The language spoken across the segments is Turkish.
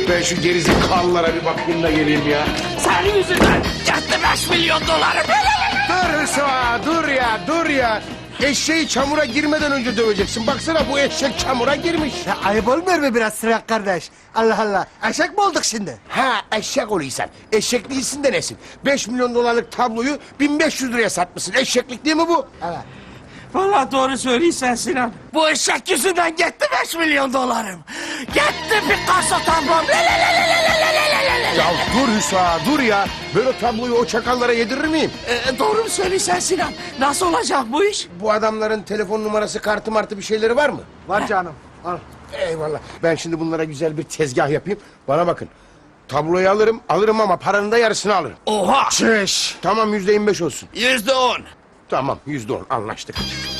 Ben şu gerizekalılara bir bakayım da geleyim ya. Senin yüzünden gitti 5 milyon dolarım. Dur Hüsva, dur ya. Eşeği çamura girmeden önce döveceksin. Baksana bu eşek çamura girmiş. Ya ayıp olmuyor mu biraz Sırak kardeş? Allah Allah. Eşek mi olduk şimdi? Ha eşek oluyorsan. Eşek değilsin de nesin? 5 milyon dolarlık tabloyu 1500 liraya satmışsın. Eşeklik değil mi bu? Evet. Vallahi doğru söylüyorsun Sinan. Bu eşek yüzünden gitti 5 milyon dolarım. Gitti Picasso tablom. Ya dur Hüsva, dur ya. Ben o tabloyu o çakallara yedirir miyim? Doğru mu söylüyorsun Sinan? Nasıl olacak bu iş? Bu adamların telefon numarası, kartı martı bir şeyleri var mı? Var canım. Al. Eyvallah. Ben şimdi bunlara güzel bir tezgah yapayım. Bana bakın. Tabloyu alırım ama paranın da yarısını alırım. Oha! Çeş. Tamam %25 olsun. %10. Tamam %10 anlaştık.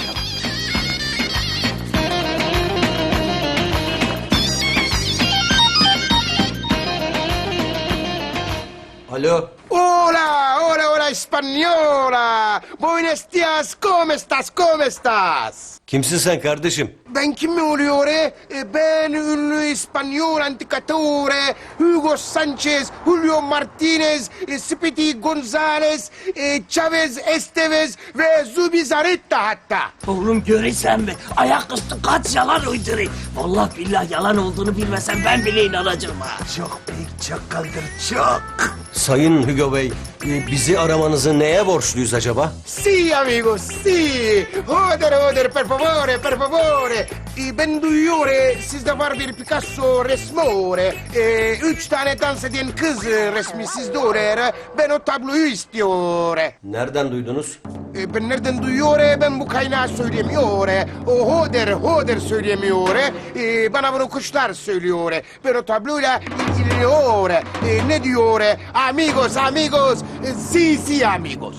Alo. Hola española. Buenos días, ¿cómo estás? Kimsin sen kardeşim? Ben kim mi oluyor? Ben ünlü İspanyol antikatore Hugo Sanchez, Julio Martinez, Speedy González, Chavez Estevez ve Zubizarreta hatta. Oğlum görürsen mi? Ayaküstü kaç yalan uyduruyor. Vallahi billahi yalan olduğunu bilmesem ben bile inanacağım ha. Çok büyük çakaldır çok. Sayın Hugo Bey, bizi aramanızı neye borçluyuz acaba? Sí amigos, sí. Joder, per favore. Ben duyuyorum sizde var bir Picasso resmore. 3 tane dans eden kız resmi sizde oluyor. Ben o tabloyu istiyorum. Nereden duydunuz? Ben nereden duyuyorum? Ben bu kaynağı söylemiyorum. O Hoder söylemiyor. Bana bunu kuşlar söylüyor. Ben o tabloyla ilgileniyor. Ne diyor? Amigos. Sí amigos.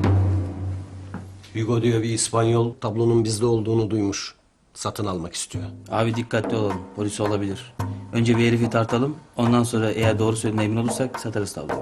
Hugo diyor bir İspanyol tablonun bizde olduğunu duymuş. Satın almak istiyor. Abi dikkatli olalım. Polis olabilir. Önce bir herifi tartalım. Ondan sonra eğer doğru söylediğine emin olursak satarız tabloyu.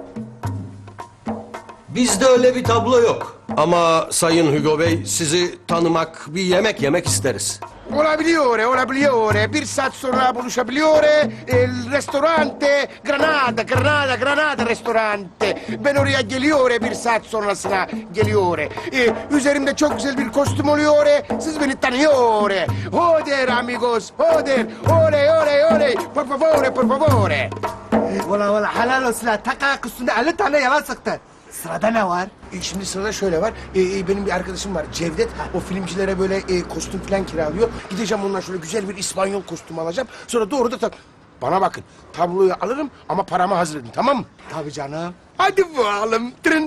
Bizde öyle bir tablo yok. Ama Sayın Hugo Bey sizi tanımak, bir yemek yemek isteriz. Olabiliyor. Bir saat sonra buluşabiliyor. El restorante Granada restorante. Ben oraya geliyor bir saat sonrasına geliyor. Üzerimde çok güzel bir kostüm oluyor. Siz beni tanıyor. Joder amigos, joder. Oley. Por favore. Valla helal olsun ha. Tak ayak üstünde 50 tane yalan sıktı. Sırada ne var? Şimdi sırada şöyle var. Benim bir arkadaşım var Cevdet. O filmcilere böyle kostüm falan kiralıyor. Gideceğim ondan şöyle güzel bir İspanyol kostüm alacağım. Sonra doğru da bana bakın. Tabloyu alırım ama paramı hazır edin tamam mı? Tabii canım. Hadi bakalım. Tırın.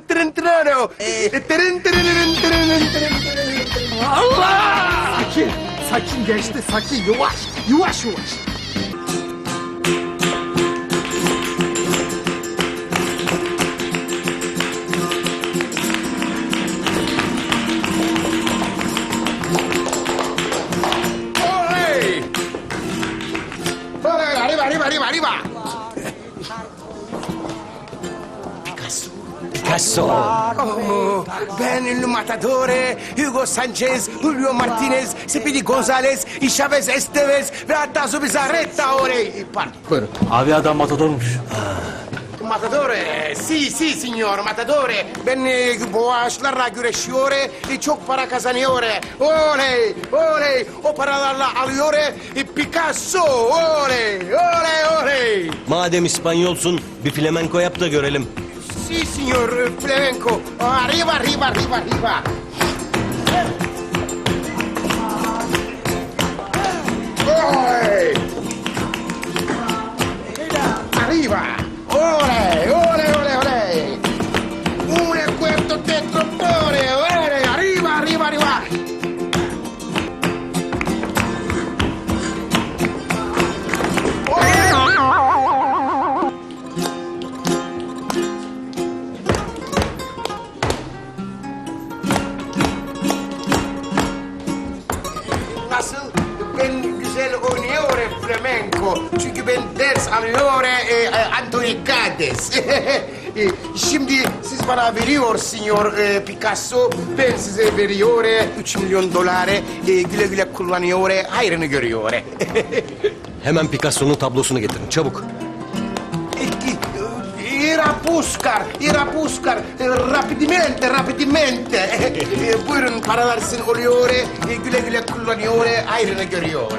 Allah! Sakin geçti sakin. Yavaş. Oley! Arriba. Picasso. Oh, ben ünlü matadore Hugo Sanchez, Julio Martinez, Speedy González, Chavez Estevez ve hatta Zubizarreta orey. Pardon. Buyurun. Abi adam matadormuş. Matadore, si signor Matadore. Ben boğaçlarla güreşiyor, çok para kazanıyor. Oley. O paralarla alıyor. Picasso, oley. Madem İspanyolsun bir flamenco yap da görelim. Si signor flamenco. Arriba. Oley. Arriba. Oley. Un cuarto de trombone. Oley. Arriba. Nasıl? Ben güzel oynuyorum flamenco. Çünkü ben ders alıyorum Anthony Gades. Şimdi siz bana veriyor Signor Picasso. Ben size veriyor 3 milyon doları. Güle güle kullanıyor. Hayrını görüyor. Hemen Picasso'nun tablosunu getirin çabuk. Era puscar, rapidamente, rapidamente. Buyurun paralar sizin oluyor, güle güle kullanıyor, ayrını görüyor.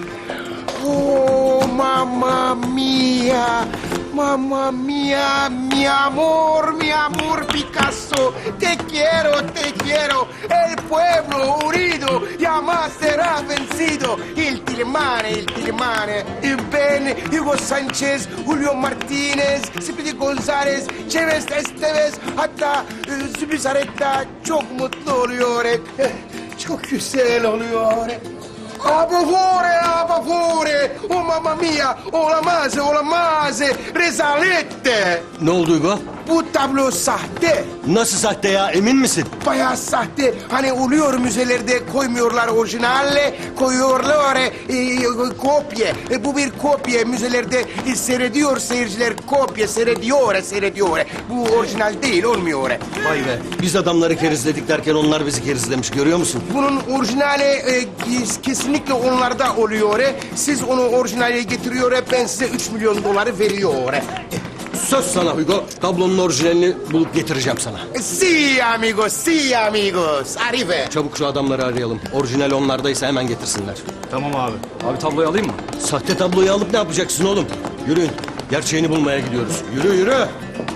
Oh, mamma mia, mamma mia, mi amor Picasso, te quiero, el pueblo unido jamás será vencido. Il Tilimane, Ben, Hugo Sanchez, Julio Martinez, Speedy González, Chavez Esteves, hatta Zubizarreta çok mutlu oluyor. Çok güzel oluyor. A favore, oh mamma mia, olamaz, rezalette. Ne oldu Hugo? Bu tablo sahte, Nasıl sahte ya, emin misin? bayağı sahte. Hani oluyor müzelerde koymuyorlar orijinalle, koyuyorlar kopya. Bu bir kopya, müzelerde seyrediyor seyirciler, kopya seyrediyor. Bu orijinal değil, olmuyor. Vay be, biz adamları kerizledik derken onlar bizi kerizlemiş, görüyor musun? Bunun orijinali kesinlikle onlarda oluyor. Siz onu orijinale getiriyor, ben size 3 milyon doları veriyor. Söz sana Hugo, tablonun orijinalini bulup getireceğim sana. Si amigos, arrive. Çabuk şu adamları arayalım. Orijinal onlardaysa hemen getirsinler. Tamam abi. Abi tabloyu alayım mı? Sahte tabloyu alıp ne yapacaksın oğlum? Yürüyün, gerçeğini bulmaya gidiyoruz. Yürü.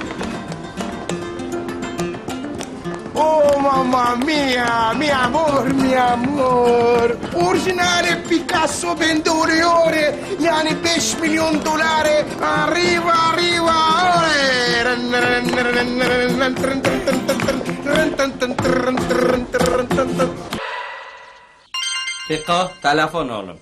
Oh mamma mia, mi amor. Orijinali Picasso bende oluyor. Yani 5 milyon doları. Arriva. Fiko, telefon oğlum.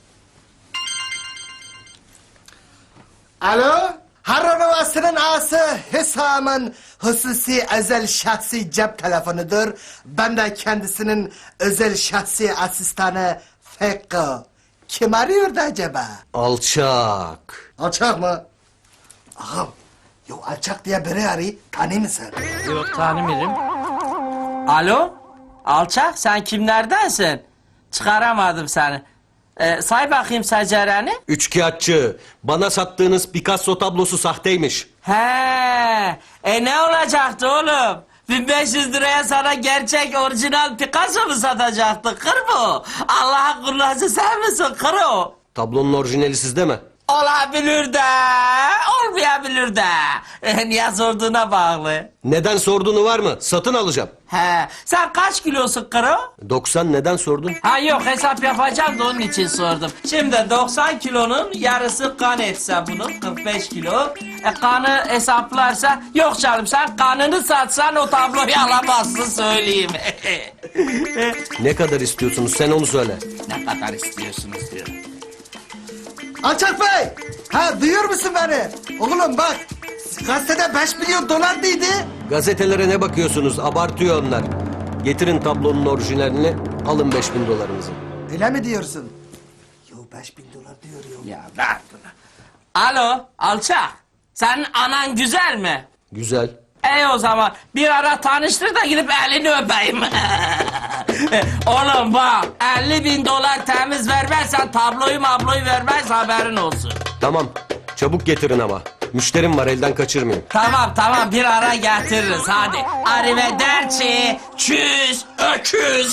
Alo? Harranovasının ağası Hüsam'ın hususi özel şahsi cep telefonudur. Ben de kendisinin özel şahsi asistanı Fekko. Kim arıyordu acaba? Alçak. Alçak mı? Ağam, yo alçak diye biri arıyor. Tanıyor musun? Yok tanımıyorum. Alo? Alçak sen kimlerdensin? Çıkaramadım seni. Say bakayım secereni. Üçkağıtçı. Bana sattığınız Picasso tablosu sahteymiş. He, ne olacaktı oğlum? 1500 liraya sana gerçek orijinal Picasso mu satacaktı? Kır bu. Allah'ın kullusu sen misin? Kır o. Tablonun orijinali sizde mi? Olabilir de, olmayabilir de. Niye sorduğuna bağlı. Neden sorduğunu var mı? Satın alacağım. He, sen kaç kilosun Karo? 90 neden sordun? Ha yok hesap yapacağım da onun için sordum. Şimdi 90 kilonun yarısı kan etse bunun 45 kilo. Kanı hesaplarsa yok canım sen kanını satsan o tabloyu alamazsın söyleyeyim. Ne kadar istiyorsunuz sen onu söyle. Ne kadar istiyorsunuz diyor. Alçak Bey! Ha duyuyor musun beni? Oğlum bak, gazetede 5 milyon dolar değildi. Gazetelere ne bakıyorsunuz? Abartıyor onlar. Getirin tablonun orijinalini, alın 5000 dolarınızı. Öyle mi diyorsun? Yo 5 bin dolar diyor ya. Ya ver bunu. Alo alçak. Senin anan güzel mi? Güzel. O zaman bir ara tanıştır da gidip elini öpeyim. Oğlum bak 50.000 dolar temiz vermezsen tabloyu vermez haberin olsun. Tamam, çabuk getirin ama. Müşterim var, elden kaçırmayın. Tamam bir ara getiririz hadi. Arrivederci, çüz, öküz.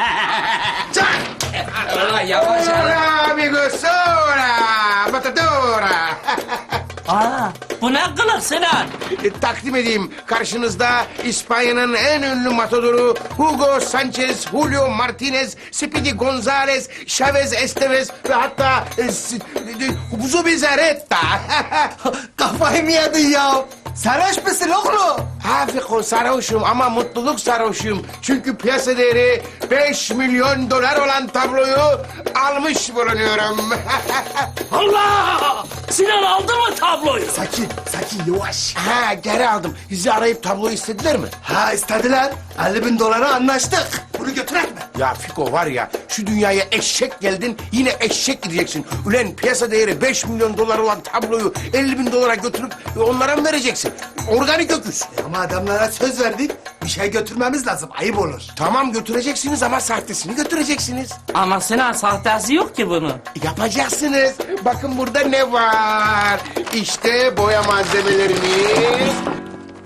Ulan yavaş yavaş. Hola amigos, hola, matadora. Aa, bu ne kılık Sinan? Takdim edeyim karşınızda İspanya'nın en ünlü matadoru Hugo Sanchez, Julio Martinez, Speedy González, Chavez Esteves ve hatta Zubizarreta. Kafayı mı yedin ya? Sarhoş musun oğlum? Hafiko sarhoşum ama mutluluk sarhoşum. Çünkü piyasa değeri 5 milyon dolar olan tabloyu almış bulunuyorum. Allah! Sinan aldı mı tabloyu? Sakin yavaş. Ha geri aldım. Bizi arayıp tabloyu istediler mi? Ha istediler. 50 bin dolara anlaştık. Bunu götürek mi? Ya Fiko var ya şu dünyaya eşek geldin yine eşek gideceksin. Ulan piyasa değeri 5 milyon dolar olan tabloyu 50 bin dolara götürüp onlara mı vereceksin? Organik öküz. Ama adamlara söz verdik. Bir şey götürmemiz lazım. Ayıp olur. Tamam götüreceksiniz ama sahtesini götüreceksiniz. Ama Sinan sahtesi yok ki bunun. Yapacaksınız. Bakın burada ne var? İşte boya malzemelerimiz.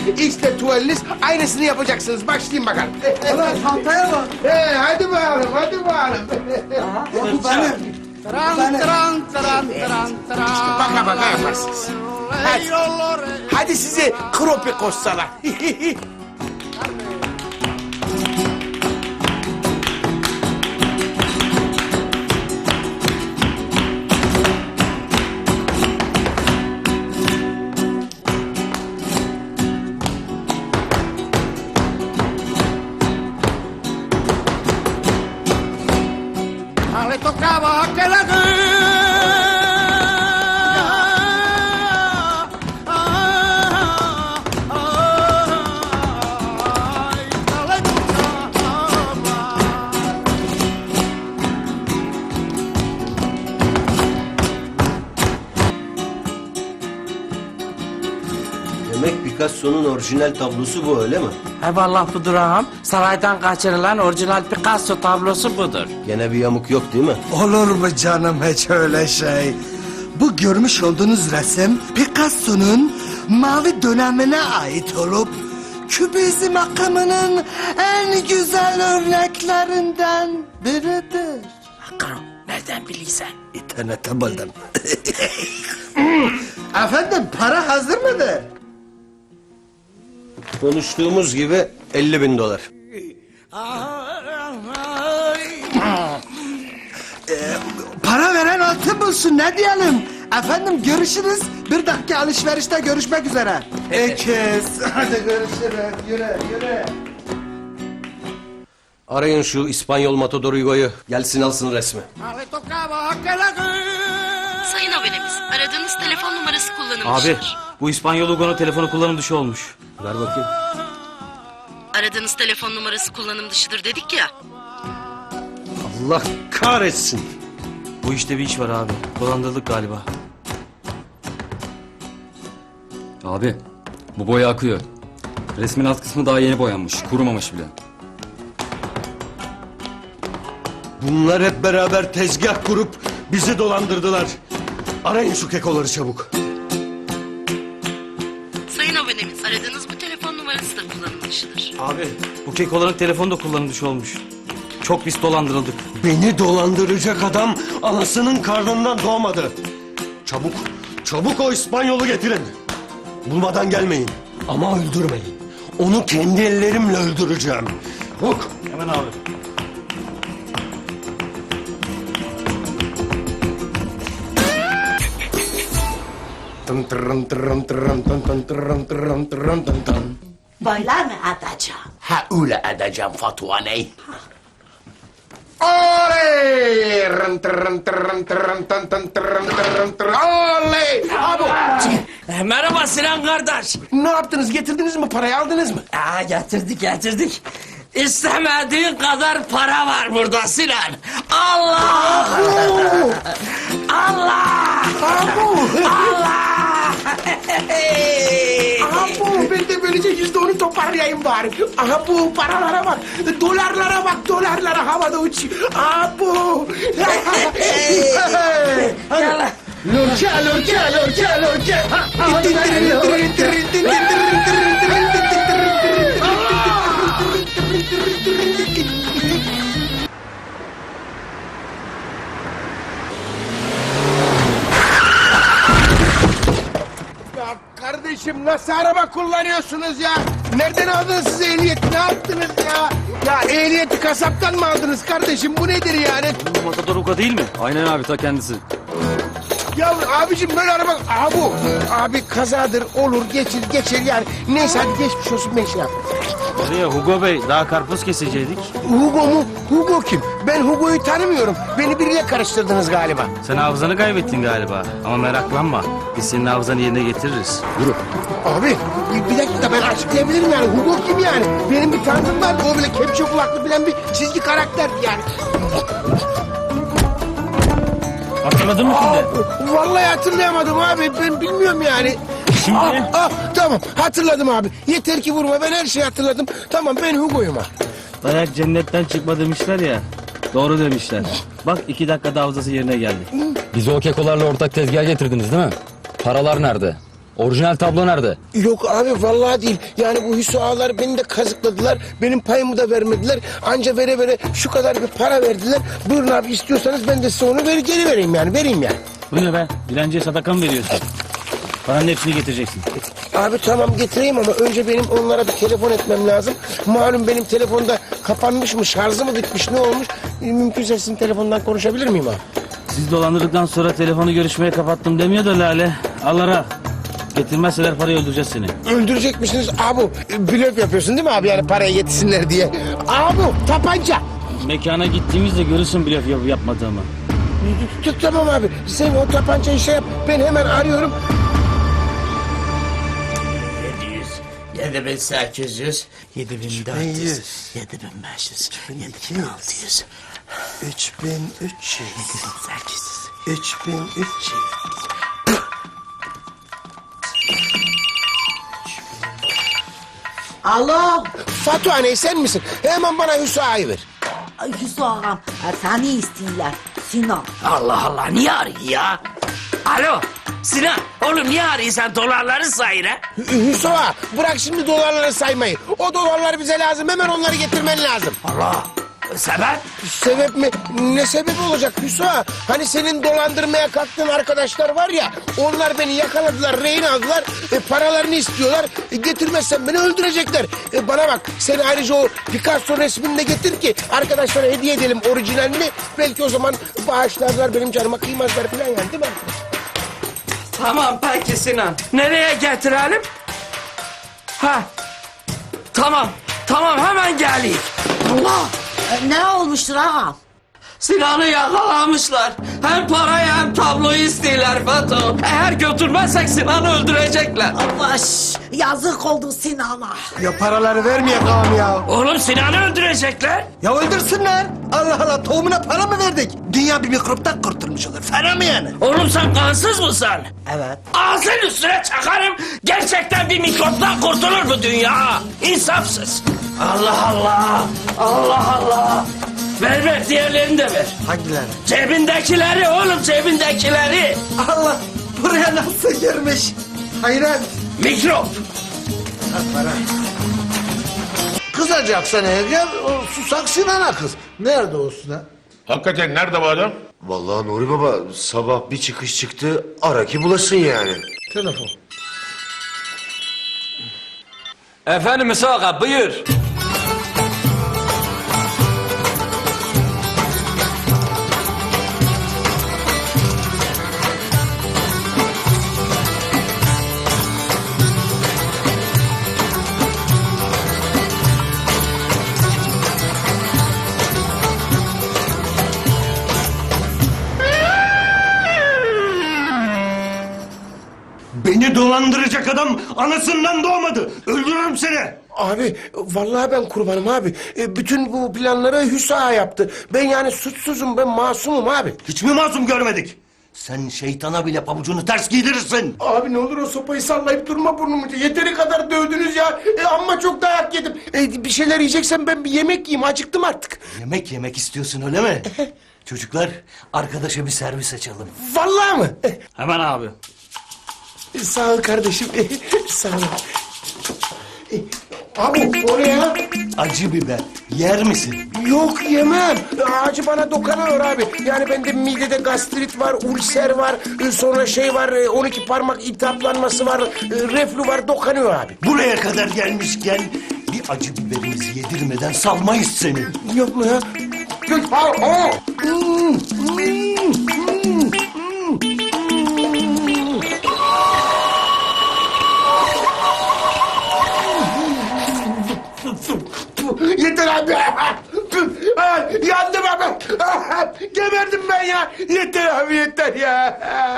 İşte tuvaliniz. Aynısını yapacaksınız. Başlayın bakalım. Ulan çantaya bak. Hadi bakalım, hadi bakalım. Bu benim. Baka baka yaparsınız. Hadi, hadi size kropi koşsalar. Le tocaba aquel Demek Picasso'nun orijinal tablosu bu öyle mi? Eyvallah budur ağam. Saraydan kaçırılan orijinal Picasso tablosu budur. Gene bir yamuk yok değil mi? Olur mu canım hiç öyle şey? Bu görmüş olduğunuz resim Picasso'nun mavi dönemine ait olup kübizm akımının en güzel örneklerinden biridir. Hakan nereden bilirsen? İnternette buldum. Efendim para hazır mıdır? Konuştuğumuz gibi 50.000 dolar. Para veren altın bulsun ne diyelim? Efendim görüşürüz. Bir dakika alışverişte görüşmek üzere. Ekiz. Hadi görüşürüz. Yürü yürü. Arayın şu İspanyol Matador Hugo'yu. Gelsin alsın resmi. Le tocaba aquel Sayın abonemiz, aradığınız telefon numarası kullanılmış. Abi bu İspanyol Hugo'nun telefonu kullanım dışı olmuş. Ver bakayım. Aradığınız telefon numarası kullanım dışıdır dedik ya. Allah kahretsin. Bu işte bir iş var abi. Dolandırıldık galiba. Abi bu boya akıyor. Resmin alt kısmı daha yeni boyanmış. Kurumamış bile. Bunlar hep beraber tezgah kurup bizi dolandırdılar. Arayın şu kekoları çabuk. Sayın abonemiz, aradığınız bu telefon numarası da kullanım dışıdır. Abi bu kekoların telefonu da kullanım dışı olmuş. Çok biz dolandırıldık. Beni dolandıracak adam anasının karnından doğmadı. Çabuk, çabuk o İspanyolu getirin. Bulmadan gelmeyin ama öldürmeyin. Onu kendi ellerimle öldüreceğim. Bak. Hemen abi. Boylar mı atacağım? Ha öyle edeceğim Fatma Ney. Oley! Oley! Abo! Merhaba Sinan kardeş. Ne yaptınız? Getirdiniz mi? Parayı aldınız mı? Getirdik. İstemediğin kadar para var burada Sinan. Allah! Allah! Allah! Abo! Ben de böylece %10'u toparlayayım bari. Aha bu paralara bak. Dolarlara bak. Dolarlara havada uçuyor. Abo! Gel. Lorca. Ya kardeşim nasıl araba kullanıyorsunuz ya? Nereden aldınız siz ehliyeti? Ne yaptınız ya? Ya ehliyeti kasaptan mı aldınız kardeşim? Bu nedir yani? Bu Matador Hugo değil mi? Aynen abi ta kendisi. Ya abicim böyle araba... Aha bu. Abi kazadır olur geçer yani. Neyse hadi geçmiş olsun ben şey yap. Oraya Hugo Bey daha karpuz kesecektik. Hugo mu? Hugo kim? Ben Hugo'yu tanımıyorum. Beni biriyle karıştırdınız galiba. Sen hafızanı kaybettin galiba. Ama meraklanma. Biz senin hafızanı yerine getiririz. Abi bir dakika ben açıklayabilirim yani. Hugo kim yani? Benim bir tanıdığım var. O böyle kepçe kulaklı bilen bir çizgi karakter yani. Hatırladın mı şimdi? Vallahi hatırlayamadım abi. Ben bilmiyorum yani. Şimdi? Tamam hatırladım abi. Yeter ki vurma ben her şeyi hatırladım. Tamam ben Hugo'yum ha. Dayak cennetten çıkma demişler ya. Doğru demişler. Bak 2 dakikada hafızası yerine geldi. Bizi o kekolarla ortak tezgaha getirdiniz değil mi? Paralar nerede? Orijinal tablo nerede? Yok abi vallahi değil. Yani bu Hüsnü ağalar beni de kazıkladılar. Benim payımı da vermediler. Anca vere vere şu kadar bir para verdiler. Buyurun abi istiyorsanız ben de size onu geri vereyim yani. Vereyim yani. Bu ne be? Dilenciye sadaka mı veriyorsun? Paranın hepsini getireceksin. Abi tamam getireyim ama önce benim onlara bir telefon etmem lazım. Malum benim telefonda kapanmış mı, şarjı mı bitmiş, ne olmuş? Mümkünse sizin telefondan konuşabilir miyim abi? Siz dolandırdıktan sonra telefonu görüşmeye kapattım demiyor da Lale. Allah'a. Getirmezseler parayı öldüreceğiz seni. Öldürecek misiniz? Abi blöf yapıyorsun değil mi abi yani paraya yetişsinler diye? Abi tabanca. Mekana gittiğimizde görürsün blöf yapmadığımı. Tamam abi sen o tabancayı şey yap ben hemen arıyorum. 7800, 7400, 7500, 7600, 3300. 7800. 3300. Alo, Fatu anne sen misin? Hemen bana Hüsnü ağayı ver. Hüsnü ağam, seni istiyorlar. Sinan. Allah Allah niye arıyor ya? Alo Sinan oğlum niye arıyorsun dolarları sayın ha? Hüsnü ağa bırak şimdi dolarları saymayı. O dolarlar bize lazım hemen onları getirmen lazım. Allah sebep? Sebep mi? Ne sebebi olacak Hüsnü ağa? Hani senin dolandırmaya kalktığın arkadaşlar var ya onlar beni yakaladılar rehin aldılar paralarını istiyorlar getirmezsen beni öldürecekler. Bana bak sen ayrıca o Picasso resmini de getir ki arkadaşlara hediye edelim orijinalini belki o zaman bağışlarlar benim canıma kıymazlar falan yani değil mi? Tamam peki Sinan. Nereye getirelim? Ha. Tamam hemen geleyim. Allah, ne olmuştur ağam? Sinan'ı yakalamışlar. Hem parayı hem tabloyu istiyorlar Fatu. Eğer götürmezsek Sinan'ı öldürecekler. Baş, yazık oldu Sinan'a. Ya paraları vermeye ağam ya. Oğlum Sinan'ı öldürecekler. Ya öldürsünler. Allah Allah tohumuna para mı verdik? Dünya bir mikroptan kurtulmuş olur. Fena mı yani? Oğlum sen kansız mısın? Evet. Ağzın üstüne çakarım. Gerçekten bir mikroptan kurtulur bu dünya. İnsafsız. Allah Allah. Allah Allah. Ver diğerlerini de ver. Hangileri? Cebindekileri oğlum cebindekileri. Allah buraya nasıl girmiş? Hayret. Mikrop. Kızacaksan eğer o susak Sinan'a kız. Nerede o Sinan? Hakikaten nerede bu adam? Vallahi Nuri Baba sabah bir çıkış çıktı ara ki bulasın yani. Telefon. Efendim Musa buyur. Beni dolandıracak adam anasından doğmadı. Öldürürüm seni. Abi vallahi ben kurbanım abi. Bütün bu planları Hüsnü ağa yaptı. Ben yani suçsuzum ben masumum abi. Hiç mi masum görmedik? Sen şeytana bile pabucunu ters giydirirsin. Abi ne olur o sopayı sallayıp durma burnumu. Yeteri kadar dövdünüz ya. Amma çok dayak yedim. Bir şeyler yiyeceksen ben bir yemek yiyeyim. Acıktım artık. Yemek istiyorsun öyle mi? Çocuklar arkadaşa bir servis açalım. Vallahi mı? Hemen abi. Sağ ol kardeşim. Sağ ol. Abi oraya Acı biber yer misin? yok yemem. Acı bana dokanıyor abi. Yani bende midede gastrit var, ulser var, sonra şey var, 12 parmak iltihaplanması var, reflü var, dokanıyor abi. Buraya kadar gelmişken bir acı biberimizi yedirmeden salmayız seni. Yok mu ya? Yok. Yeter abi. Yandım abi. Geberdim ben ya. Yeter abi yeter ya.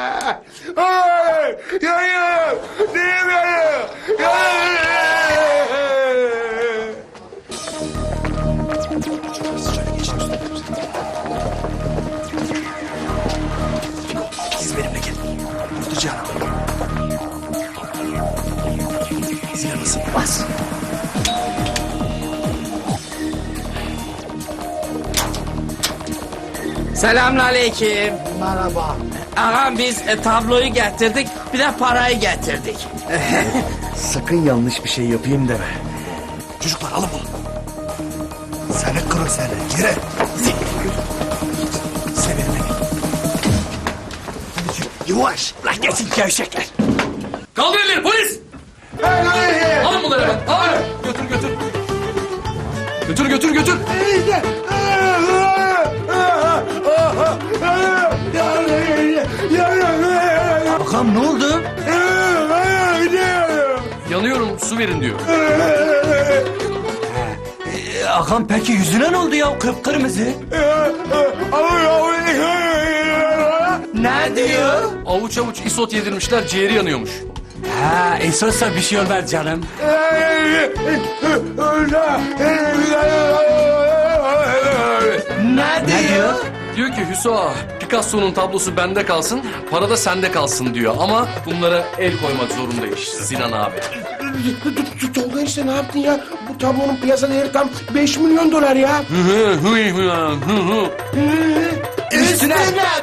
Yanıyorum. Neyim yanıyorum? Siz benimle gelin. Kurtulacağım. Zile basın. Bas. Selamünaleyküm. Merhaba. Ağam biz tabloyu getirdik, bir de parayı getirdik. Sakın yanlış bir şey yapayım deme. Çocuklar alın bunu. Seni kuru seni. Yürü. Sevin beni. Yavaş. Lan geçin gevşekler. Kaldır elleri polis! Alın bunları hemen. Alın. Götür. Bakalım ne oldu? Yanıyorum su verin diyor. Ağam peki yüzüne ne oldu ya? Kıpkırmızı. Ne diyor? Avuç avuç isot yedirmişler ciğeri yanıyormuş. Ha, esasla bir şey olmaz canım. Ne diyor? Diyor ki Hüso Picasso'nun tablosu bende kalsın, para da sende kalsın diyor. Ama bunlara el koymak zorundaymış Sinan abi. Tolga işte ne yaptın ya? Bu tablonun piyasa değeri tam 5 milyon dolar ya. Üstüne